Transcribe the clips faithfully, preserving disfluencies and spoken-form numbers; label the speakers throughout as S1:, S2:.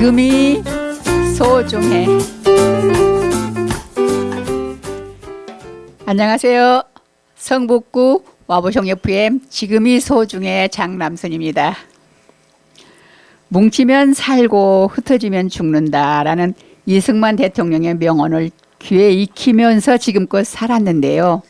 S1: 지금이 소중해. 안녕하세요. 성북구 와보성 에프엠 지금이 소중해 장남순입니다. 뭉치면 살고 흩어지면 죽는다라는 이승만 대통령의 명언을 귀에 익히면서 지금껏 살았는데요.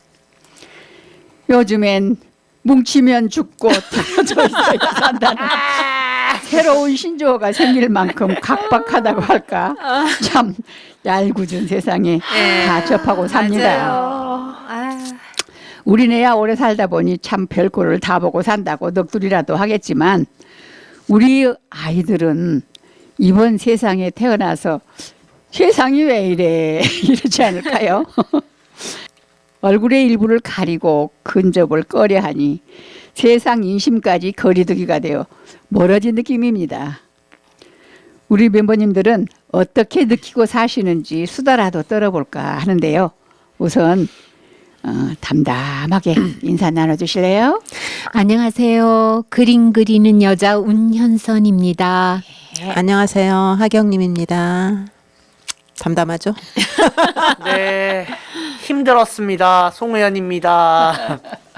S1: 요즘엔 뭉치면 죽고 떨어져 있어야 산다는 새로운 신조어가 생길 만큼 각박하다고 할까. 참 얄궂은 세상에
S2: 네.
S1: 다 접하고 삽니다.
S2: 맞아요.
S1: 우리네야 오래 살다 보니 참 별꼴을 다 보고 산다고 넋두리라도 하겠지만 우리 아이들은 이번 세상에 태어나서 세상이 왜 이래 이러지 않을까요? 얼굴의 일부를 가리고 근접을 꺼려하니 세상 인심까지 거리두기가 되어 멀어진 느낌입니다. 우리 멤버님들은 어떻게 느끼고 사시는지 수다라도 떨어볼까 하는데요. 우선 어, 담담하게 인사 나눠주실래요?
S3: 안녕하세요. 그림 그리는 여자 운현선입니다.
S2: 안녕하세요. 하경님입니다. 담담하죠?
S4: 네, 힘들었습니다. 송우현입니다.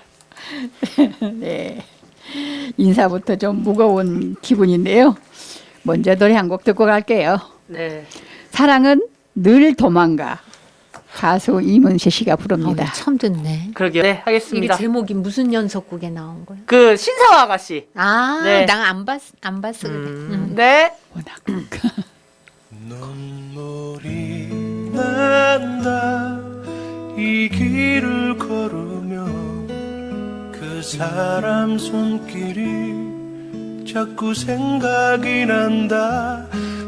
S1: 네, 인사부터 좀 무거운 기분인데요. 먼저 노래 한 곡 듣고 갈게요.
S4: 네,
S1: 사랑은 늘 도망가. 가수 이문세 씨가 부릅니다.
S3: 어, 처음 듣네.
S4: 그러게요. 네,
S3: 이게
S4: 하겠습니다.
S3: 제목이 무슨 연속곡에 나온 거야?
S4: 그 신사와 아가씨.
S3: 아,
S4: 네.
S3: 난 안 봤, 안 봤어 그래. 음.
S4: 네,
S1: 워낙
S5: 눈물이 난다 이 길을 걸으며 그 사람 손길이 자꾸 생각이 난다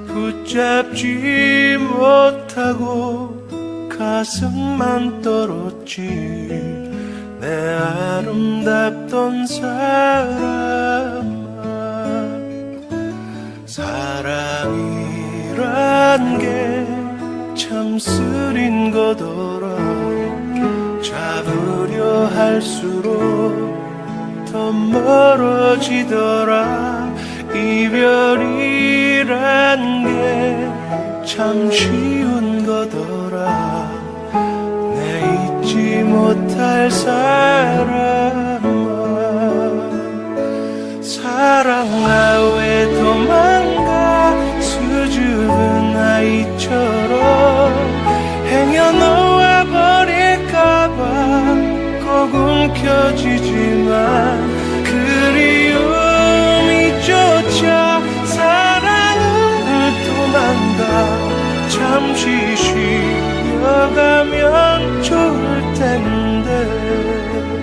S5: 붙잡지 못하고 가슴만 떨었지 내 아름답던 사람아 사랑이란 게 참 쓰린 거더라 잡으려 할수록 더 멀어지더라 이별이란 게 참 쉬운 거더라 내 잊지 못할 사람아 사랑아 왜 도망가 수줍은 아이처럼 행여놓아 버릴까봐 꼭 움켜쥐지만 그리움이 쫓아 사랑을 도망가 잠시 쉬어가면 좋을 텐데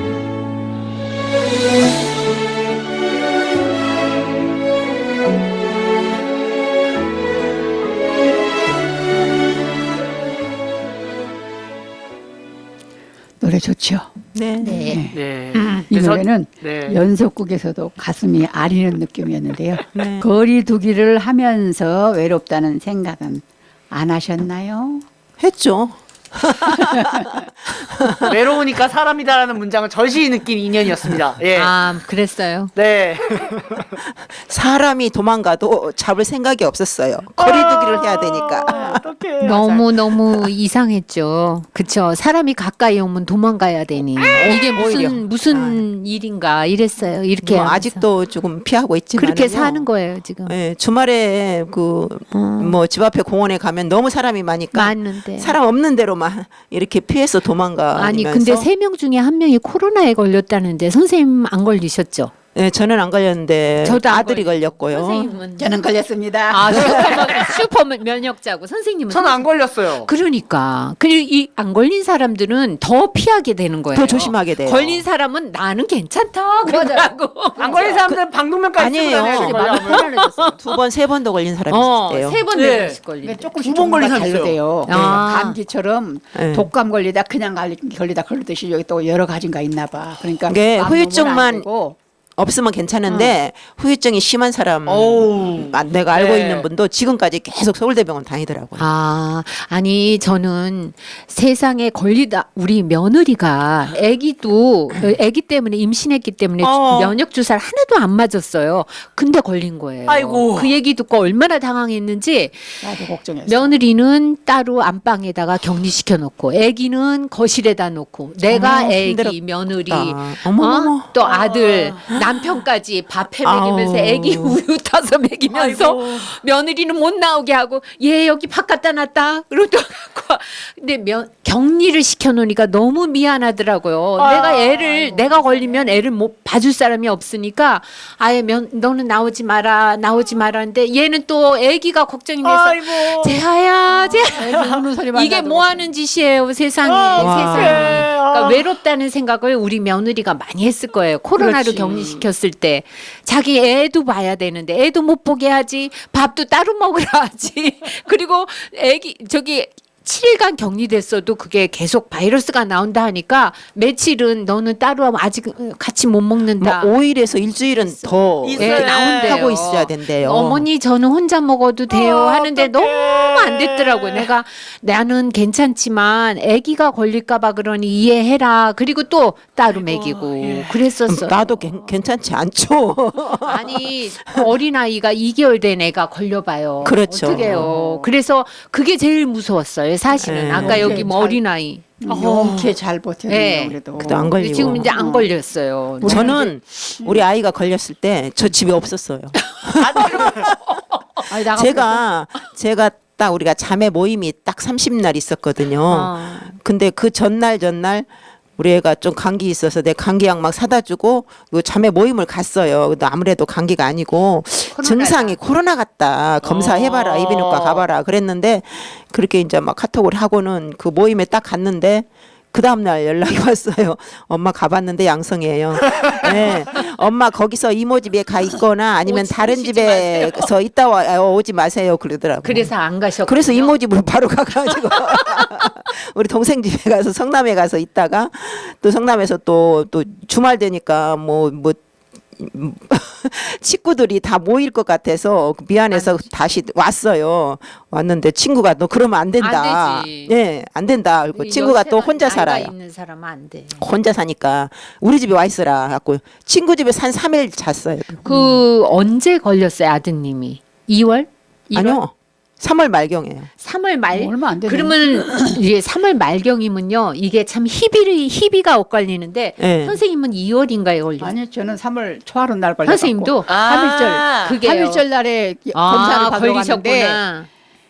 S1: 노래 좋죠.
S2: 네.
S3: 네.
S4: 네.
S1: 이
S4: 그래서-
S1: 노래는
S4: 네.
S1: 연속곡에서도 가슴이 아리는 느낌이었는데요.
S2: 네.
S1: 거리두기를 하면서 외롭다는 생각은 안 하셨나요?
S2: 했죠.
S4: 외로우니까 사람이다라는 문장을 절실히 느낀 인연이었습니다. 예.
S3: 아, 그랬어요.
S4: 네.
S2: 사람이 도망가도 잡을 생각이 없었어요. 거리두기를 해야 되니까.
S4: 어떡해.
S3: 너무 너무 이상했죠. 그쵸? 사람이 가까이 오면 도망가야 되니 이게 무슨
S2: 오히려.
S3: 무슨 일인가 이랬어요. 이렇게
S2: 뭐
S3: 하면서.
S2: 아직도 조금 피하고 있지만
S3: 그렇게 사는 거예요 지금.
S2: 네, 주말에 그 뭐 집 앞에 공원에 가면 너무 사람이 많으니까
S3: 맞는데.
S2: 사람 없는 데로만 이렇게 피해서 도망가.
S3: 아니 근데 세 명 중에 한 명이 코로나에 걸렸다는데 선생님 안 걸리셨죠?
S2: 네, 저는 안 걸렸는데
S3: 저도 안
S2: 아들이 걸렸고요.
S3: 선생님은
S1: 저는 걸렸습니다.
S3: 아 슈퍼, 슈퍼 면역자고 선생님은
S4: 저는 안 걸렸어요.
S3: 그러니까 그리고 이 안 걸린 사람들은 더 피하게 되는 거예요.
S2: 더 조심하게 돼요.
S3: 걸린 사람은 나는 괜찮다 그러고
S4: 안 걸린 사람들은 방독면까지 쓰고
S2: 아니에요.
S4: 다녀요.
S3: 되게
S4: 걸려면.
S3: 마음이 편안해졌어요.
S2: 두 번, 세 번도 걸린 사람이
S3: 어,
S2: 있대요.
S3: 세번
S4: 네.
S3: 네 번씩 걸린.
S1: 그러니까 조금씩
S4: 두번 걸린
S1: 종류가
S4: 사람
S1: 다르대요.
S3: 있어요. 아.
S1: 감기처럼
S2: 네.
S1: 독감 걸리다 그냥 걸리- 걸리다 걸리듯이 여기 또 여러 가지가 있나 봐. 그러니까
S2: 이게
S1: 마음 놓으면 안
S2: 후유증만
S1: 되고.
S2: 없으면 괜찮은데 후유증이 심한 사람
S4: 어우.
S2: 아, 내가 알고
S4: 네.
S2: 있는 분도 지금까지 계속 서울대병원 다니더라고요.
S3: 아, 아니 저는 세상에 걸리다 우리 며느리가 아기도 아기 때문에 임신했기 때문에
S4: 어.
S3: 면역 주사를 하나도 안 맞았어요. 근데 걸린 거예요.
S4: 아이고.
S3: 그 얘기 듣고 얼마나 당황했는지
S1: 나도 걱정했어.
S3: 며느리는 따로 안방에다가 격리시켜 놓고 아기는 거실에다 놓고 내가
S2: 아,
S3: 아기
S2: 힘들었다.
S3: 며느리
S2: 어머머머.
S3: 어? 또 아들 남편까지 밥해 먹이면서
S2: 아우.
S3: 아기 우유 타서 먹이면서
S4: 아이고.
S3: 며느리는 못 나오게 하고 얘 여기 밥 갖다 놨다 그러고 갖고 근데 며, 격리를 시켜놓으니까 너무 미안하더라고요.
S4: 아,
S3: 내가 애를
S4: 아이고.
S3: 내가 걸리면 애를 못 봐줄 사람이 없으니까 아예 면, 너는 나오지 마라 나오지 마라는데 얘는 또 아기가 걱정이 돼서
S4: 아이고.
S3: 재하야 재하
S1: 애기 우는 소리만
S3: 이게
S1: 나도
S3: 뭐 하는 짓이에요 세상에
S4: 아,
S3: 세상에
S4: 어떡해.
S3: 그러니까
S4: 아.
S3: 외롭다는 생각을 우리 며느리가 많이 했을 거예요 코로나로
S1: 그렇지.
S3: 격리시켰을 때 자기 애도 봐야 되는데 애도 못 보게 하지 밥도 따로 먹으라 하지 그리고 애기 저기 칠 일간 격리됐어도 그게 계속 바이러스가 나온다 하니까 며칠은 너는 따로 하면 아직 같이 못 먹는다.
S2: 뭐 오 일에서 일주일은 더
S4: 있어요.
S2: 이렇게
S3: 나온대요.
S2: 하고 있어야 된대요.
S3: 어머니 저는 혼자 먹어도 돼요
S4: 어,
S3: 하는데
S4: 어떡해.
S3: 너무 안 됐더라고요. 내가 나는 괜찮지만 아기가 걸릴까봐 그러니 이해해라. 그리고 또 따로 먹이고
S4: 예.
S3: 그랬었어요.
S2: 나도 괜- 괜찮지 않죠.
S3: 아니 어린 아이가 이 개월 된 애가 걸려봐요.
S2: 그렇죠.
S3: 어떻게요? 그래서 그게 제일 무서웠어요. 사실은
S2: 네.
S3: 아까 여기 뭐
S1: 잘-
S3: 어린 아이.
S1: 용케 잘 버텼네요.
S3: 네.
S1: 그래도.
S2: 그래도 안 걸리고.
S3: 지금 이제 안 걸렸어요.
S2: 저는 우리 아이가 걸렸을 때 저 집에 없었어요.
S1: 아니, 나가
S2: 제가 제가 딱 우리가 자매 모임이 딱 삼십 날 있었거든요.
S3: 어.
S2: 근데 그 전날 전날 우리 애가 좀 감기 있어서 내 감기약 막 사다 주고 그 자매 모임을 갔어요. 근데 아무래도 감기가 아니고
S3: 코로나다.
S2: 증상이 코로나 같다. 검사해봐라.
S4: 어.
S2: 이비인후과 가봐라. 그랬는데 그렇게 이제 막 카톡을 하고는 그 모임에 딱 갔는데 그 다음날 연락이 왔어요. 엄마 가봤는데 양성이에요. 네. 엄마 거기서 이모 집에 가 있거나 아니면
S3: 오지-
S2: 다른
S3: 오시지
S2: 집에서 있다 와 어, 오지 마세요. 그러더라고요.
S3: 그래서 안 가셨고.
S2: 그래서 이모 집으로 바로 가가지고 우리 동생 집에 가서 성남에 가서 있다가 또 성남에서 또 또 주말 되니까 뭐 뭐 친구들이 다 모일 것 같아서 미안해서 다시 왔어요. 왔는데 친구가 너 그러면 안 된다.
S3: 안 되지.
S2: 예, 안 된다. 그리고 친구가 또 혼자
S3: 나이가
S2: 살아요.
S3: 있는 사람은 안 돼.
S2: 혼자 사니까 우리 집에 와 있으라 갖고 친구 집에 한 삼 일 잤어요.
S3: 그 언제 걸렸어요 아드님이? 이월? 일월?
S2: 아니요. 삼월 말경이에요.
S3: 삼월 말.
S1: 얼마 안 되네.
S3: 그러면 이게 삼월 말경이면요. 이게 참 희비를 희비가 엇갈리는데
S2: 네.
S3: 선생님은 이월인가에 걸렸어요.
S1: 아니 저는 삼월 초하루 날 걸려.
S3: 선생님도
S4: 아.
S3: 그게
S1: 삼일절 날에
S3: 아,
S1: 검사를 받으러 갔는데
S3: 걸리셨구나.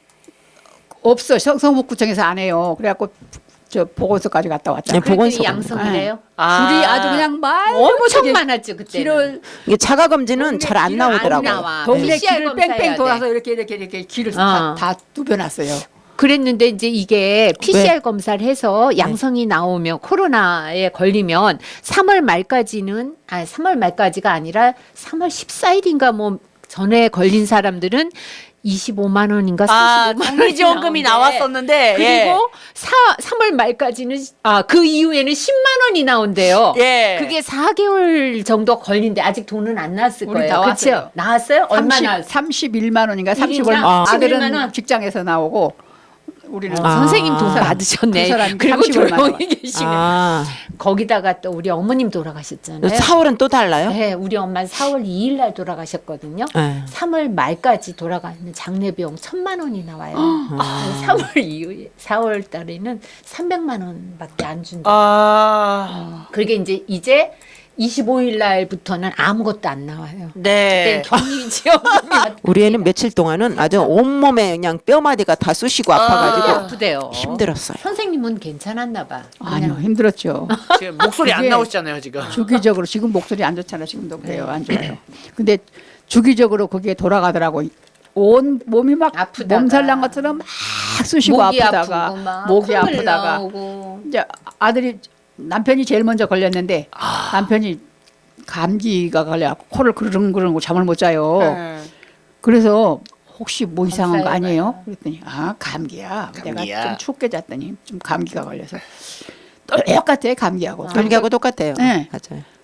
S1: 없어. 성- 성북구청에서 안 해요. 그래갖고 저 보건소까지 갔다 왔잖아.
S2: 네,
S3: 그랬더니
S2: 보건소.
S3: 양성이래요.
S4: 아.
S1: 줄이 아주 그냥 말
S3: 엄청 많았죠 그때.
S1: 길을
S2: 이게 자가 검진은 잘 안
S1: 길을 안
S2: 나오더라고요.
S3: 나와.
S1: 동네
S3: 피씨알
S1: 길을
S3: 검사해야
S1: 뺑뺑
S3: 돼.
S1: 돌아서 이렇게 이렇게 이렇게 길을
S3: 어.
S1: 다, 다 뚜벼놨어요.
S3: 그랬는데 이제 이게 피씨알 검사를 해서 양성이 나오면 코로나에 걸리면 삼월 말까지는 아 삼월 말까지가 아니라 삼월 십사일인가 뭐 전에 걸린 사람들은 이십오만 원인가
S4: 아,
S3: 사십오만 원이
S4: 장기지원금이
S3: 나온대.
S4: 나왔었는데.
S3: 그리고 사, 삼월 말까지는 아 그 이후에는 십만 원이 나온대요.
S4: 예.
S3: 그게 사 개월 정도 걸린데 아직 돈은 안 나왔을
S1: 우리
S3: 거예요.
S1: 다
S3: 그렇죠?
S1: 왔어요.
S3: 나왔어요? 얼마나?
S1: 삼십일만 원인가
S3: 일인당
S1: 삼십오 만
S2: 아.
S3: 삼십일만
S1: 아들은
S3: 원?
S1: 직장에서 나오고 우리는
S2: 아.
S3: 선생님 돈
S2: 아.
S3: 받으셨네.
S1: 두 사람이
S3: 그리고
S1: 삼십오만 원.
S3: 조용히 계시네.
S2: 아,
S3: 거기다가 또 우리 어머님 돌아가셨잖아요.
S2: 사월은 또 달라요?
S3: 네, 우리 엄마 사월 이일 날 돌아가셨거든요.
S2: 네.
S3: 삼월 말까지 돌아가는 장례 비용 천만 원이 나와요.
S2: 아.
S3: 삼월 이후에 사월 달에는 삼백만 원밖에 안 준다.
S4: 아.
S3: 그게 이제 이제 이십오일 날부터는 아무것도 안 나와요.
S4: 네.
S3: 그때 격리 지원금이
S2: 우리 애는 며칠 동안은 아주 온몸에 그냥 뼈마디가 다 쑤시고 아파가지고
S3: 아프대요.
S2: 힘들었어요.
S3: 선생님은 괜찮았나 봐.
S1: 아니요 힘들었죠.
S4: 지금 목소리 안
S1: 그게-
S4: 나오시잖아요, 지금.
S1: 주기적으로 지금 목소리 안 좋잖아. 지금도 그래요. 안
S3: 네.
S1: 좋아요. 근데 주기적으로 그게 돌아가더라고. 온 몸이 막
S3: 아프다가.
S1: 몸살 난 것처럼 막 쑤시고
S3: 목이
S1: 아프다가
S3: 아프고 막
S1: 목이
S3: 콧물
S1: 아프다가
S3: 나오고.
S1: 이제 아들이 남편이 제일 먼저 걸렸는데 남편이 감기가 걸려갖고 코를 그르릉그르고 잠을 못 자요.
S4: 네.
S1: 그래서 혹시 뭐 이상한 거
S3: 검사해봐요.
S1: 아니에요? 그랬더니 아 감기야.
S4: 감기야.
S1: 내가 좀 춥게 잤더니 좀 감기가 걸려서 똑같아 감기하고.
S2: 감기하고 똑같아요.
S1: 네.
S2: 맞아요.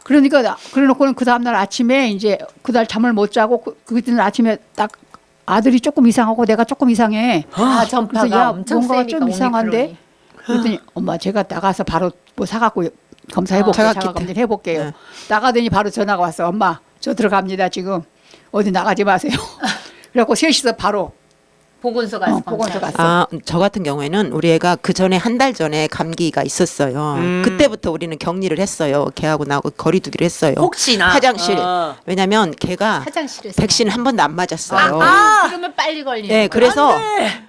S1: 그러니까 나- 그래놓고는 그 다음날 아침에 이제 그날 잠을 못 자고 그, 그때는 아침에 딱 아들이 조금 이상하고 내가 조금 이상해.
S3: 아,
S1: 그래서
S3: 전파가
S1: 야
S3: 엄청
S1: 뭔가
S3: 세니까
S1: 좀 이상한데.
S3: 오미크론이.
S1: 그랬더니 엄마 제가 나가서 바로 뭐 사갖고 검사해볼게요.
S2: 자가
S1: 자가
S2: 키트.
S1: 검진 해볼게요.
S2: 네.
S1: 나가더니 바로 전화가 왔어. 엄마 저 들어갑니다 지금. 어디 나가지 마세요. 그래갖고 셋이서 바로
S3: 보건소 가서
S1: 어, 보건소
S3: 검사했어요.
S1: 갔어.
S2: 아, 저 같은 경우에는 우리 애가 그 전에 한 달 전에 감기가 있었어요.
S4: 음.
S2: 그때부터 우리는 격리를 했어요. 걔하고 나하고 거리두기를 했어요.
S4: 혹시나
S2: 화장실.
S4: 어.
S2: 왜냐면 걔가
S3: 화장실에서
S2: 백신 한 번도 안 맞았어요.
S3: 아, 그러면 빨리 걸리는
S2: 네,
S3: 거야.
S2: 그래서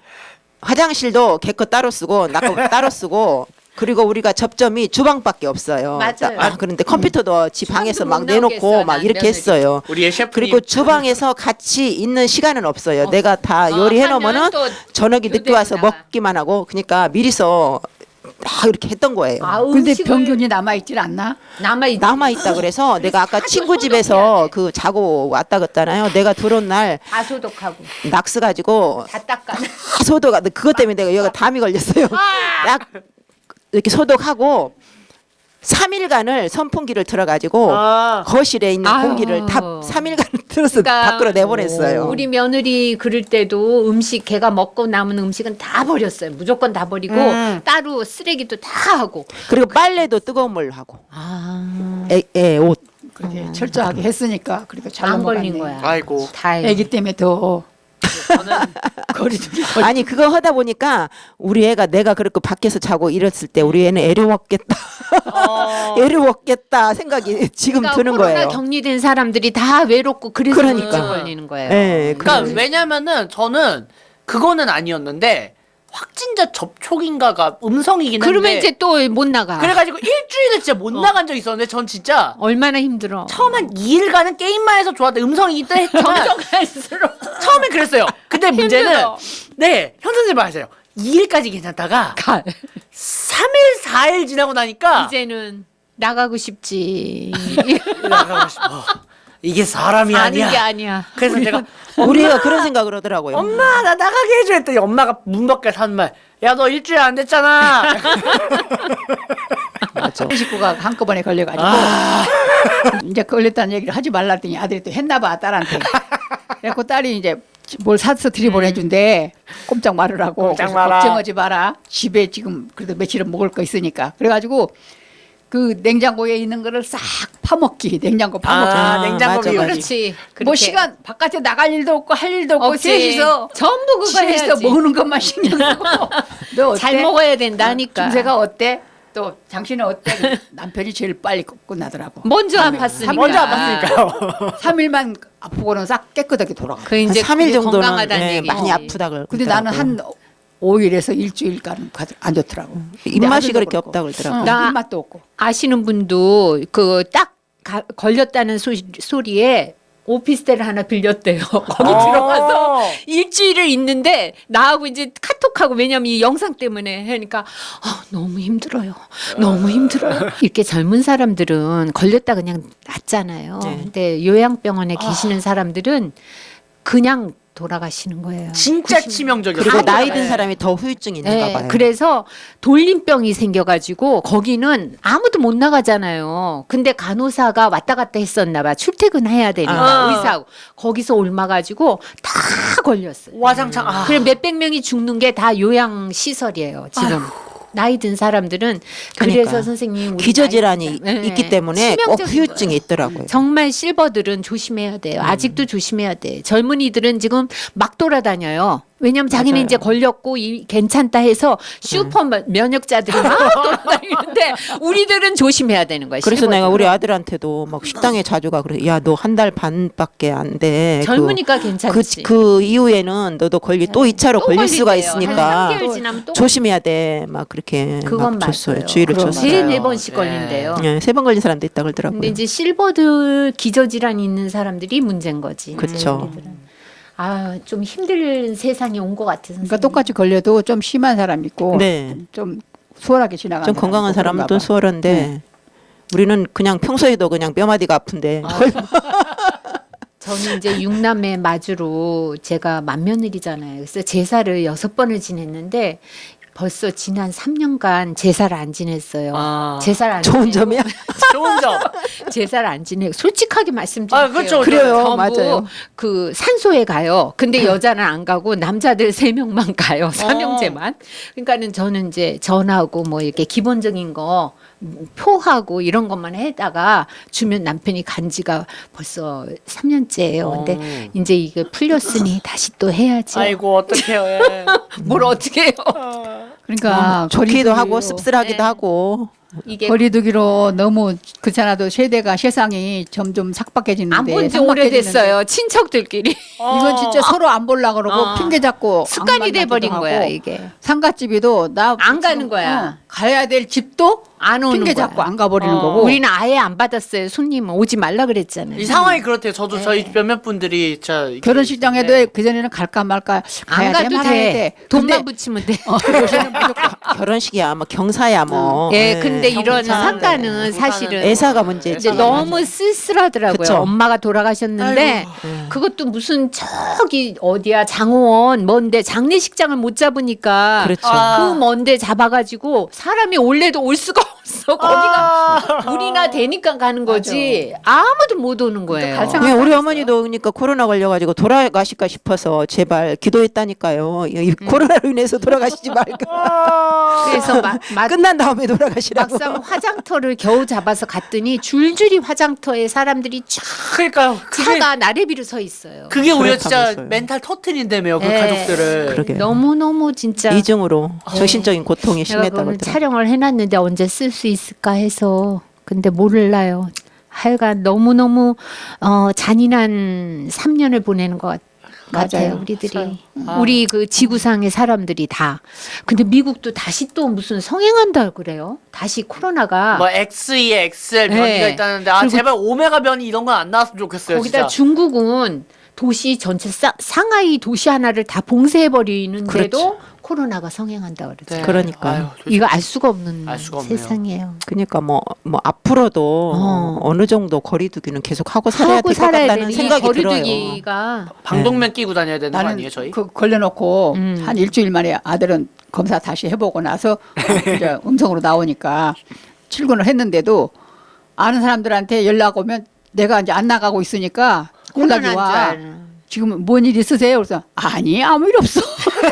S2: 화장실도 걔 거 따로 쓰고 나 거 따로 쓰고 그리고 우리가 접점이 주방밖에 없어요.
S3: 맞아요.
S2: 아, 그런데 컴퓨터도 지 방에서
S3: 못
S2: 막
S3: 나오게
S2: 내놓고
S3: 했어요,
S2: 막
S3: 난
S2: 이렇게
S3: 며느리.
S2: 했어요.
S4: 우리의 셰프님
S2: 그리고 주방에서 같이 있는 시간은 없어요.
S3: 없어.
S2: 내가 다
S3: 어,
S2: 요리해
S3: 하면
S2: 놓으면은
S3: 또
S2: 저녁에 늦게
S3: 교대로
S2: 와서
S3: 나가.
S2: 먹기만 하고 그러니까 미리서 막 이렇게 했던 거예요.
S3: 아,
S1: 근데
S3: 음식을
S1: 병균이 남아있질 않나?
S3: 남아 있
S2: 남아 있다 그래서 내가 아까 친구
S3: 소독해야
S2: 집에서
S3: 돼.
S2: 그 자고 왔다 갔잖아요. 내가 들어온 날
S3: 다 소독하고
S2: 낙스 가지고
S3: 다 닦아.
S2: 다 소독. 그것 때문에 내가 여기가 담이 걸렸어요. 딱 이렇게 소독하고 삼 일간을 선풍기를 틀어가지고
S4: 아.
S2: 거실에 있는
S3: 아유.
S2: 공기를 다 삼 일간 틀어서
S3: 그러니까
S2: 밖으로 내보냈어요.
S3: 우리 며느리 그럴 때도 음식 걔가 먹고 남은 음식은 다 버렸어요. 무조건 다 버리고
S4: 음.
S3: 따로 쓰레기도 다 하고.
S2: 그리고 빨래도 뜨거운 물로 하고
S3: 아,
S2: 애, 애 옷.
S1: 그렇게 철저하게 했으니까 그래도 잘
S3: 안 걸린
S1: 넘어갔네.
S3: 거야.
S4: 아이고.
S3: 다행히.
S1: 애기 때문에 더
S4: 저는
S1: 거리두기 걸.
S2: 아니 그거 하다 보니까 우리 애가 내가 그렇게 밖에서 자고 이랬을 때 우리 애는 애려웠겠다.
S4: 어.
S2: 애려웠겠다 생각이 지금
S3: 그러니까
S2: 드는
S3: 코로나
S2: 거예요.
S3: 격리된 사람들이 다 외롭고 그래서
S2: 그러니까.
S3: 우울증 걸리는 거예요.
S2: 네,
S4: 그러니까
S2: 그래.
S4: 왜냐면은 저는 그거는 아니었는데 확진자 접촉인가가 음성이긴 한데
S3: 그러면 이제 또 못 나가.
S4: 그래가지고 일주일을 진짜 못 나간 적이 있었는데 전 진짜
S3: 얼마나 힘들어.
S4: 처음 한 이 일간은 게임만 해서 좋았다 음성이긴 했지만
S3: 점점갈수록
S4: 처음엔 그랬어요. 근데 문제는
S3: 힘들어.
S4: 네 현 선생님 말하세요. 이 일까지 괜찮다가
S3: 가.
S4: 삼 일 사 일 지나고 나니까
S3: 이제는 나가고 싶지.
S4: 나가고 싶어. 이게 사람이
S3: 아는
S4: 아니야.
S3: 게 아니야.
S4: 그래서 제가
S2: 우리 애가 그런 생각을 하더라고요.
S4: 엄마 나 나가게 해줘 했더니 엄마가 문 밖에 하는 말 야 너 일주일 안 됐잖아.
S2: 맞아.
S1: 식구가 한꺼번에 걸려가지고
S4: 아.
S1: 이제 걸렸다는 얘기를 하지 말라 했더니 아들이 또 했나봐 딸한테. 그래갖고 딸이 이제 뭘 사서 들이보내준대. 꼼짝 말으라고.
S4: 꼼짝
S1: 그래서
S4: 마라.
S1: 걱정하지 마라. 집에 지금 그래도 며칠은 먹을 거 있으니까. 그래가지고 그 냉장고에 있는 거를 싹 파먹기. 냉장고 파먹기.
S4: 아,
S2: 아,
S4: 냉장고
S2: 맞아,
S4: 비우기.
S2: 맞아.
S3: 그렇지.
S1: 뭐
S3: 그렇게.
S1: 시간 바깥에 나갈 일도 없고 할 일도 없고
S3: 없지.
S1: 셋이서
S3: 전부 그거
S1: 셋이서
S3: 해야지.
S1: 먹는 것만 신경 쓰고. 너 어때?
S3: 잘 먹어야 된다니까.
S1: 중세가 어때? 또 당신은 어때? 남편이 제일 빨리 끝- 끝나더라고.
S3: 먼저 안 봤으니까.
S4: 먼저 안 봤으니까요.
S1: 삼 일만 아프고는 싹 깨끗하게 돌아가.
S3: 그 이제
S2: 삼 일
S3: 그게
S2: 정도는
S3: 건강하다는
S2: 네,
S3: 얘기지.
S2: 많이 아프다 그러
S1: 근데 나는 한 오 일에서 일주일간 안 좋더라고. 근데
S2: 입맛이
S1: 아들도
S2: 그렇게
S1: 그렇고.
S2: 없다 그러더라고요.
S1: 어,
S3: 나-
S1: 입맛도 없고.
S3: 아시는 분도 그 딱 걸렸다는 소, 소리에 오피스텔을 하나 빌렸대요. 거기
S4: 어.
S3: 들어가서 일주일을 있는데 나하고 이제 카톡하고 왜냐면 이 영상 때문에 하니까 아, 너무 힘들어요. 너무 힘들어요. 이렇게 젊은 사람들은 걸렸다 그냥 낫잖아요.
S2: 네.
S3: 근데 요양병원에 계시는 사람들은 그냥 돌아가시는 거예요.
S4: 진짜 치명적이었어요.
S2: 그리고
S3: 다
S2: 나이
S3: 돌아가요.
S2: 든 사람이 더 후유증이 있는가
S3: 네,
S2: 봐요.
S3: 그래서 돌림병이 생겨가지고 거기는 아무도 못 나가잖아요. 근데 간호사가 왔다 갔다 했었나 봐. 출퇴근해야 되니까
S4: 아.
S3: 의사하고 거기서 옮아가지고 다 걸렸어요.
S4: 와장창. 아.
S3: 그래 몇백 명이 죽는 게 다 요양 시설이에요. 지금 나이 든 사람들은 그래서
S2: 그러니까.
S3: 선생님 우리
S2: 기저질환이
S3: 나이- 네,
S2: 있기 때문에 꼭
S3: 치명적인
S2: 후유증이
S3: 거예요.
S2: 있더라고요.
S3: 정말 실버들은 조심해야 돼요. 아직도 조심해야 돼. 젊은이들은 지금 막 돌아다녀요. 왜냐면 자기는
S2: 맞아요.
S3: 이제 걸렸고 이, 괜찮다 해서 슈퍼 면역자들이 막 돌아다니는데 우리들은 조심해야 되는 거야.
S2: 그래서
S3: 실버들은.
S2: 내가 우리 아들한테도 막 식당에 자주 가 그래. 야, 너 한 달 반밖에 안 돼.
S3: 젊으니까
S2: 그,
S3: 괜찮지.
S2: 그 이후에는 너도 걸리 또 이 차로
S3: 또
S2: 걸릴 수가
S3: 걸린대요. 한
S2: 있으니까
S3: 삼 개월 지나면 또
S2: 조심해야 돼. 막 그렇게
S3: 그건
S2: 막 줬어요.
S3: 맞아요.
S2: 주의를
S1: 그건
S2: 줬어요.
S3: 세
S4: 맞아요.
S3: 네 번씩
S4: 네.
S3: 걸린대요.
S2: 네, 세 번 걸린 사람도 있다 그러더라고요.
S3: 근데 이제 실버들 기저질환이 있는 사람들이 문제인 거지.
S2: 그쵸.
S3: 우리들은. 아, 좀 힘든 세상이 온 것 같아. 선생님.
S1: 그러니까 똑같이 걸려도 좀 심한 사람 있고
S2: 네.
S1: 좀 수월하게 지나가는
S2: 좀 건강한
S1: 사람
S2: 사람은
S1: 있고
S2: 또
S1: 그런가 봐.
S2: 수월한데
S3: 네.
S2: 우리는 그냥 평소에도 그냥 뼈마디가 아픈데
S3: 저는 이제 육남매 마주로 제가 맏며느리잖아요. 그래서 제사를 여섯 번을 지냈는데 벌써 지난 삼 년간 제사를 안 지냈어요.
S4: 아.
S3: 제사를 안
S2: 좋은
S3: 지내고
S2: 점이야.
S4: 좋은 점.
S3: 제사를 안 지내고 솔직하게 말씀드릴게요.
S4: 아, 그렇죠.
S2: 그래요.
S3: 전부
S2: 맞아요.
S3: 그 산소에 가요. 근데 여자는 안 가고 남자들 세 명만 가요. 삼형제만. 그러니까는 저는 이제 전하고 뭐 이렇게 기본적인 거 표하고 이런 것만 해다가 주면 남편이 간 지가 벌써 삼 년째예요. 근데
S4: 어.
S3: 이제 이게 풀렸으니 다시 또 해야지.
S4: 아이고 어떡해요. 예.
S3: 뭘 어떻게 해요?
S1: 그러니까
S2: 좋기도 하고
S1: 거리두기로-
S2: 씁쓸하기도
S3: 네.
S2: 하고.
S3: 이게
S1: 거리두기로 너무 그렇잖아도 세대가 세상이 점점 삭박해지는데
S3: 안 본 지
S1: 삭박해지는데
S3: 오래됐어요. 친척들끼리.
S1: 이건 진짜 서로 안 보려 그러고
S3: 어.
S1: 핑계 잡고 안
S3: 습관이
S1: 만나기도
S3: 돼버린
S1: 하고.
S3: 거야 이게.
S1: 상가집이도 나
S3: 안 가는
S1: 지금,
S3: 거야.
S1: 어, 가야 될 집도
S3: 안 오는
S1: 핑계
S3: 거야.
S1: 잡고 안 가버리는
S4: 어.
S1: 거고.
S3: 우리는 아예 안 받았어요. 손님은 오지 말라 그랬잖아요.
S4: 이 상황이 그렇대요. 저도 저희 몇몇 분들이 진짜 이렇게
S1: 결혼식장에도
S4: 있는데.
S1: 그 전에는 갈까 말까
S3: 안
S1: 가야 돼
S3: 가도
S1: 말아야
S3: 돼.
S1: 돼.
S3: 돈만
S1: 근데
S3: 붙이면 돼.
S1: 어, 요새는 무조건
S2: 결혼식이야, 뭐 경사야 뭐.
S3: 예,
S2: 네.
S3: 근데 이런
S4: 경사는
S3: 상가는
S4: 네.
S3: 사실은
S2: 애사가 문제지.
S3: 이제 너무 쓸쓸하더라고요.
S2: 그쵸.
S3: 엄마가 돌아가셨는데
S4: 아이고.
S3: 그것도 무슨 저기 어디야 장원 먼데 장례식장을 못 잡으니까
S2: 그렇죠.
S4: 아.
S3: 그 먼데 잡아가지고 사람이 올래도 올 수가 없어. 거기가
S4: 아.
S3: 우리나 되니까 가는 거지 아무도 못 오는 거예요.
S1: 갈 생각-
S2: 네, 우리 어머니도 그러니까 코로나 걸려가지고 돌아가실까 싶어서 제발 기도했다니까요. 이 이 코로나로 인해서 돌아가시지 말고
S3: 그래서 마, 마,
S2: 끝난 다음에 돌아가시라고.
S3: 막상 화장터를 겨우 잡아서 갔더니 줄줄이 화장터에 사람들이 쫙
S4: 그러니까요. 그게
S3: 차가 나래비로 서 있어요.
S4: 그게 오히려 진짜
S2: 그렇다면서요.
S4: 멘탈 터트린다며요. 그
S3: 네.
S4: 가족들을.
S2: 그러게요.
S3: 너무 너무 진짜
S2: 이중으로 정신적인 고통이
S3: 제가
S2: 심했다고
S3: 오늘
S2: 그러더라고요.
S3: 촬영을 해놨는데 언제 쓸 수 있을까 해서 근데 몰라요. 하여간 너무 너무 어, 잔인한 삼 년을 보내는 것 같. 같아요,
S1: 맞아요.
S3: 우리들이.
S4: 아.
S3: 우리 그 지구상의 사람들이 다. 근데 미국도 다시 또 무슨 성행한다 그래요? 다시 코로나가
S4: 뭐 엑스이, 엑스엘 변이가
S3: 네.
S4: 있다는데 아
S3: 그리고
S4: 제발 오메가 변이 이런 건 안 나왔으면 좋겠어요.
S3: 거기다
S4: 진짜.
S3: 중국은 도시 전체 사, 상하이 도시 하나를 다 봉쇄해 버리는데도
S2: 그렇죠.
S3: 코로나가 성행한다 그러죠.
S4: 네.
S2: 그러니까요.
S4: 아유, 도대체
S3: 이거 알 수가 없는
S4: 알 수가 없네요.
S3: 세상이에요.
S2: 그러니까 뭐, 뭐 앞으로도
S3: 어.
S2: 어느 정도 거리두기는 계속 하고 살아야
S3: 하고
S2: 될 것
S3: 살아야
S2: 같다는
S3: 되는 이
S2: 생각이 들어요.
S3: 거리두기가
S4: 방독면 끼고 다녀야 되는 거
S1: 나는
S4: 아니에요, 저희?
S1: 그 걸려놓고
S3: 음.
S1: 한 일주일 만에 아들은 검사 다시 해보고 나서 이제 음성으로 나오니까 출근을 했는데도 아는 사람들한테 연락 오면 내가 이제 안 나가고 있으니까 연락이
S3: 코로나인 줄
S1: 와.
S3: 알아.
S1: 지금 뭔 일 있으세요? 그래서 아니 아무 일 없어.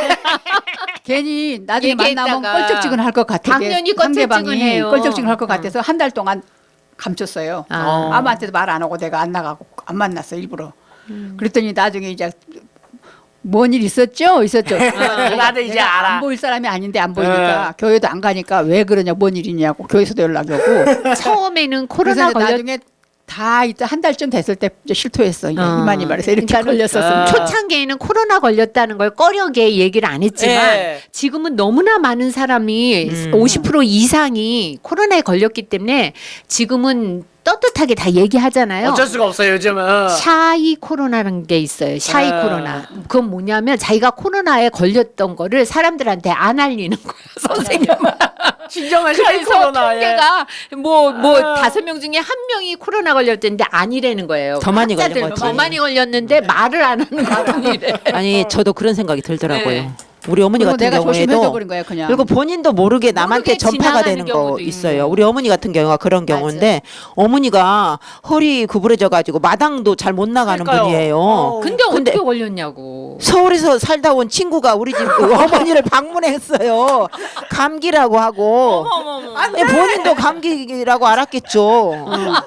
S1: 괜히 나중에 만나면
S3: 얘기했다가
S1: 껄쩍지근할 것 같아.
S3: 당연히
S1: 상대방이
S3: 껄쩍지근해요.
S1: 껄쩍지근할 것
S3: 어.
S1: 같아서 한 달 동안 감췄어요.
S3: 아.
S1: 아무한테도 말 안 하고 내가 안 나가고 안 만났어 일부러. 그랬더니 나중에 이제 뭔 일 있었죠? 있었죠.
S4: 아, 나도 이제
S1: 내가
S4: 알아.
S1: 안 보일 사람이 아닌데 안 보이니까 교회도 안 가니까 왜 그러냐 뭔 일이냐고 교회에서도 연락이 오고.
S3: 처음에는
S1: 그래서
S3: 코로나
S1: 이제
S3: 걸렸
S1: 나중에 다 이제 한 달쯤 됐을 때 이제 실토했어. 이제
S3: 어.
S1: 이만희 말해서 이렇게
S3: 그러니까는
S1: 걸렸었으면.
S4: 아.
S3: 초창기에는 코로나 걸렸다는 걸 꺼려게 얘기를 안 했지만
S4: 예.
S3: 지금은 너무나 많은 사람이
S2: 음.
S3: 오십 퍼센트 이상이 코로나에 걸렸기 때문에 지금은 떳떳하게 다 얘기하잖아요.
S4: 어쩔 수가 없어요, 요즘은.
S3: 샤이 코로나라는 게 있어요. 샤이
S4: 아.
S3: 코로나. 그건 뭐냐면 자기가 코로나에 걸렸던 거를 사람들한테 안 알리는 거야, 선생님은.
S4: 진정한 샤이
S3: 그래서
S4: 코로나. 예.
S3: 통계가 뭐 뭐
S4: 아.
S3: 다섯 명 중에 한 명이 코로나 걸렸는데 아니라는 거예요.
S2: 더 많이
S3: 학자들
S2: 걸린 거지.
S3: 더 많이 걸렸는데 말을 안 하는 거뿐이래.
S2: 아니 저도 그런 생각이 들더라고요.
S3: 네.
S2: 우리 어머니
S1: 그리고
S2: 같은
S1: 내가 조심해서
S2: 경우에도
S1: 그런 거야 그냥.
S2: 그리고 본인도 모르게 남한테
S3: 모르게
S2: 전파가
S3: 지나가는
S2: 되는 거
S3: 경우도
S2: 있어요.
S3: 있고.
S2: 우리 어머니 같은 경우가 그런 경우인데 어머니가 허리 구부러져 가지고 마당도 잘 못 나가는
S4: 그러니까요.
S2: 분이에요.
S4: 어.
S3: 근데,
S2: 근데-
S3: 어떻게 걸렸냐고.
S2: 서울에서 살다 온 친구가 우리 집 어머니를 방문했어요. 감기라고 하고. 아니, 본인도 감기라고 알았겠죠.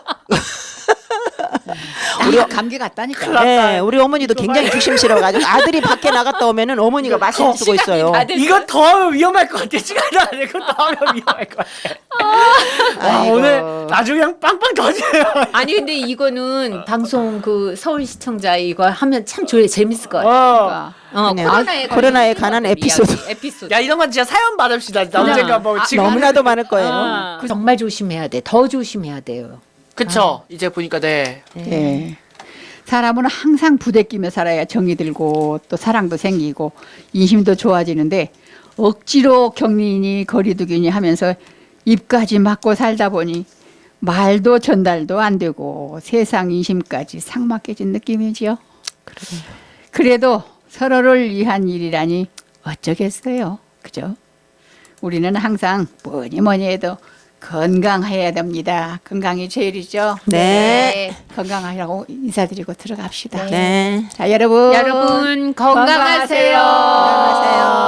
S1: 우리 감기 같다니까.
S2: 네, 우리 어머니도 굉장히 조심스러워가지고 아들이 밖에 나갔다 오면은 어머니가 마스크 쓰고 있어요.
S3: 다 됐어.
S4: 이거 더 하면 위험할 것 같아. 시간이 안 돼. 이거 더 하면 위험할 것 같아. 와,
S2: 아이고.
S4: 오늘 나중에 그냥 빵빵 터져요.
S3: 아니 근데 이거는 방송 그 서울 시청자 이거 하면 참 좋아요. 재밌을 것 같아요.
S4: 어.
S1: 그러니까.
S3: 어,
S2: 그냥
S3: 코로나에,
S2: 코로나에
S3: 걸린
S2: 관한
S3: 친구들
S2: 에피소드.
S3: 이야기, 에피소드.
S4: 야, 이런 건 진짜 사연 받읍시다. 진짜
S3: 그냥,
S4: 언젠가 뭐
S3: 아,
S4: 지금.
S2: 너무나도 많을 거예요.
S3: 아, 그 정말 조심해야 돼. 더 조심해야 돼요.
S4: 그쵸. 이제 보니까 네.
S1: 예. 사람은 항상 부대끼며 살아야 정이 들고 또 사랑도 생기고 인심도 좋아지는데 억지로 격리니 거리두기니 하면서 입까지 막고 살다 보니 말도 전달도 안 되고 세상 인심까지 삭막해진 느낌이지요. 그래도 서로를 위한 일이라니 어쩌겠어요. 그죠? 우리는 항상 뭐니 뭐니 해도 건강해야 됩니다. 건강이 제일이죠.
S2: 네.
S1: 건강하라고 인사드리고 들어갑시다.
S2: 네.
S1: 자, 여러분.
S3: 여러분 건강하세요.
S2: 건강하세요.